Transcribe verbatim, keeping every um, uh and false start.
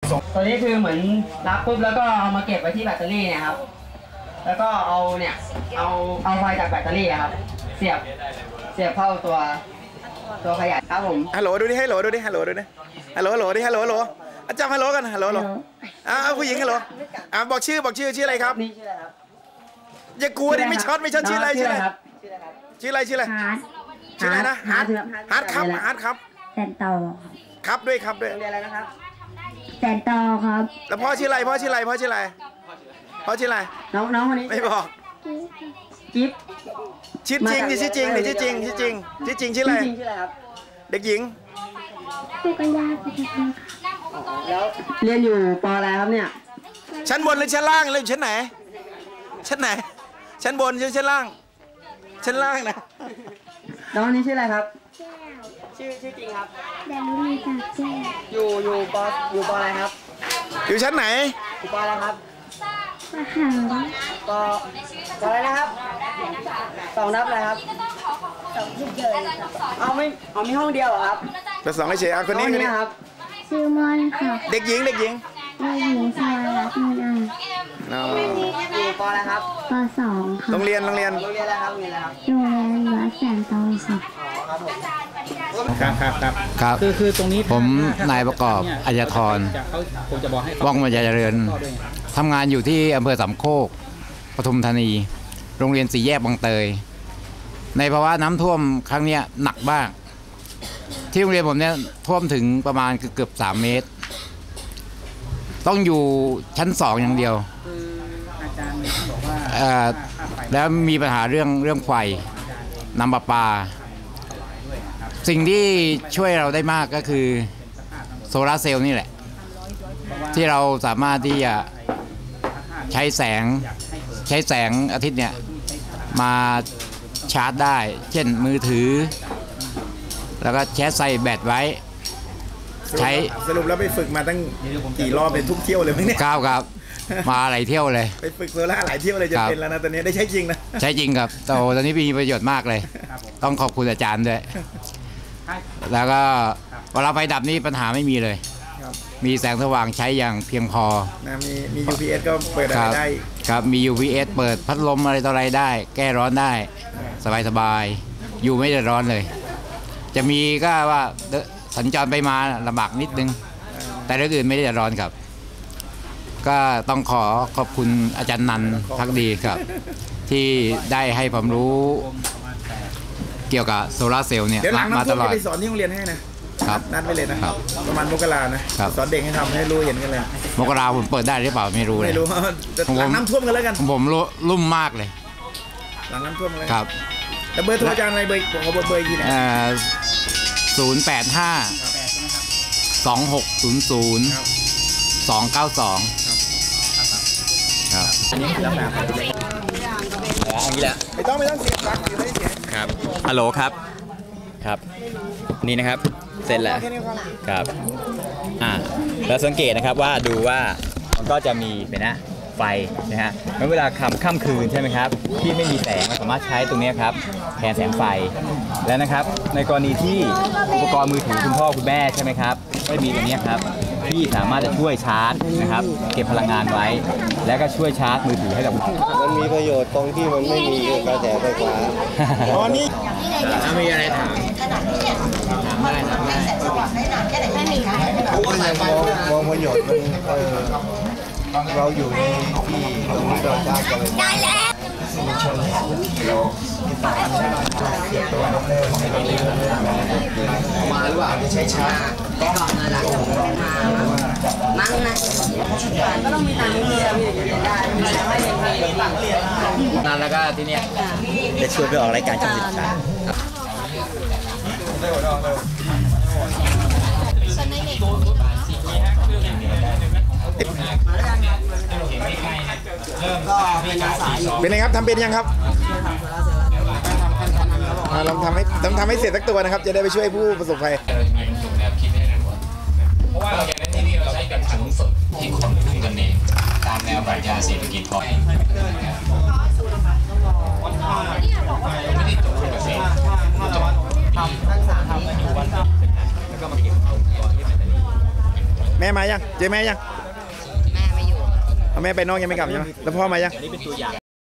ตัวนี้คือเหมือนรับปุ๊บแล้วก็เอามาเก็บไว้ที่แบตเตอรี่เนี่ยครับแล้วก็เอาเนี่ยเอาเอาไฟจากแบตเตอรี่ครับเสียบเสียบเข้าตัวตัวขยายครับผมฮัลโหลดูดิฮัลโหลดูดิฮัลโหลดูดิฮัลโหลฮัลโหลดิฮัลโหลฮัลโหลอาจารย์ฮัลโหลกันฮัลโหลฮัลโหลอ่าผู้หญิงฮัลโหลอ่าบอกชื่อบอกชื่อชื่ออะไรครับนี่ชื่ออะไรครับอย่ากลัวดิไม่ช็อตไม่ช็อตชื่ออะไรชื่ออะไรครับชื่ออะไรชื่ออะไรชื่ออะไรนะฮาร์ดฮาร์ดครับฮาร์ดครับแซนโตครับด้วยครับด้วยเรียนอะไรนะครับแซนโตครับแล้วพ่อชื่ออะไรพ่อชื่ออะไรพ่อชื่ออะไรพ่อชื่ออะไรน้องน้องคนนี้ไม่บอกจิ๊บชื่อจริงดิชื่อจริงดิชื่อจริงชื่อจริงชื่อจริงชื่ออะไรเด็กหญิงสุกัญญาสุกัญญาแล้วเรียนอยู่ป.อะไรครับเนี่ยชั้นบนหรือชั้นล่างหรือชั้นไหนชั้นไหนชั้นบนหรือชั้นล่างชั้นล่างนะน้องนี้ชื่ออะไรครับชื่อชื่อจริงครับดารุณีจากแจ้อยู่อยู่ป.อยู่ป.อะไรครับอยู่ชั้นไหนอยู่ป.อะไรครับมหาป.ป.อะไรนะครับสองนับอะไรครับสองที่เจอเอาไม่เอามีห้องเดียวเหรอครับแต่สองเฉยๆคนนี้คนนี้ครับชื่อมอนค่ะเด็กหญิงเด็กหญิงเด็กหญิงชวารัตน์มีนาอยู่ป.อะไรครับป.สองค่ะโรงเรียนโรงเรียนโรงเรียนอะไรครับโรงเรียนอะไรครับโรงเรียนวัดแสนโตค่ะครับครับครับครับคือคือตรงนี้ผมนายประกอบอัยธรว่องบรรยายเจริญทำงานอยู่ที่อำเภอสามโคกปทุมธานีโรงเรียนสี่แยกบางเตยในภาวะน้ำท่วมครั้งนี้หนักมากที่โรงเรียนผมเนี่ยท่วมถึงประมาณเกือบสามเมตรต้องอยู่ชั้นสองอย่างเดียวแล้วมีปัญหาเรื่องเรื่องไฟน้ำประปาสิ่งที่ช่วยเราได้มากก็คือโซลาร์เซลล์นี่แหละที่เราสามารถที่จะใช้แสงใช้แสงอาทิตย์เนี่ยมาชาร์จได้เช่นมือถือแล้วก็แชร์ใส่แบตไว้ใช้สรุปแล้วไปฝึกมาตั้งกี่รอบเป็นทุกเที่ยวเลยไหมเนี่ยก้าวครับมาหลายเที่ยวเลยไปฝึกโซล่าหลายเที่ยวเลยจะเป็นแล้วนะตอนนี้ได้ใช้จริงนะใช้จริงครับโตตอนนี้มีประโยชน์มากเลยต้องขอบคุณอาจารย์ด้วยแล้วก็เวลาไฟดับนี่ปัญหาไม่มีเลยมีแสงสว่างใช้อย่างเพียงพอนะมีมี ยู พี เอส ก็เปิดอะไรได้ครับมี ยู พี เอส เปิดพัดลมอะไรต่ออะไรได้แก้ร้อนได้สบายสบายอยู่ไม่ได้ร้อนเลยจะมีก็ว่าสัญจรไปมาลำบากนิดนึงแต่เรื่องอื่นไม่ได้ร้อนครับก็ต้องขอขอบคุณอาจารย์นันท์พักดีครับที่ได้ให้ความรู้เกี่ยวกับโซลาร์เซลล์เนี่ยมาตลอดไปสอนที่โรงเรียนให้นะครับนัดไปเลยนะครับประมาณมกรานะสอนเด็กให้ทำให้รู้เห็นกันเลยมกราผมเปิดได้หรือเปล่าไม่รู้เลยไม่รู้หลังน้ำท่วมกันแล้วกันผมรุ่มมากเลยหลังน้ำท่วมเลยครับแล้วเบอร์โทรอาจารย์อะไรเบอร์ของเบอร์เบอร์ที่ไหนศูนย์แปดห้าสองหกศูนย์ศูนย์สองเก้าสองครับอันนี้คือแบบอันนี้แหละไม่ต้องไม่ต้องเสียงดังอยู่ไม่เสียงครับฮัลโหลครับครับนี่นะครับเสร็จแล้วครับอ่าแล้วสังเกตนะครับว่าดูว่ามันก็จะมีเป็นนะไฟนะฮะเวลาค่ำค่ำคืนใช่ไหมครับที่ไม่มีแสงเราสามารถใช้ตรงนี้ครับแทนแสงไฟแล้วนะครับในกรณีที่อุปกรณ์มือถือคุณพ่อคุณแม่ใช่ไหมครับไม่มีตรงนี้ครับที่สามารถจะช่วยชาร์จนะครับเก็บพลังงานไว้แล้วก็ช่วยชาร์จมือถือให้กับมันมีประโยชน์ตรงที่มันไม่มีกระแสไฟฟ้าตอนนี้มีอะไรถามถามได้ถามได้ไม่มีมองประโยชน์มันเราอยู่ในที่ตรงนี้เราชาร์จกันเลยได้แล้วมาหรือเปล่าไม่ใช่ช้าก็นั่นแหละนั่งนะก็ต้องมีตังค์เยอะมีอย่างนี้ได้ไม่ได้ไม่ได้ตังค์เรียนนั่นแล้วก็ที่เนี้ยจะชวนไปออกรายการช่องสิบสามเป็นไงครับทำเป็นยังครับลองทำให้ต้องทำให้เสร็จสักตัวนะครับจะได้ไปช่วยผู้ประสบภัยเพราะว่าเราอย่างนั้นที่นี่เราใช้แบบถังสดที่คนพึ่งกันเองตามแนวปรัชญาเศรษฐกิจพอเพียงไม่ได้จบเกษตรทำรักษาทำอยู่วันแล้วก็มาเก็บอุปกรณ์ที่เป็นแม่มายังเจอแม่ยังแม่ไม่อยู่เอาแม่ไปนอกยังไม่กลับใช่ไหมแล้วพ่อมายังอันนี้เป็นตัวอย่าง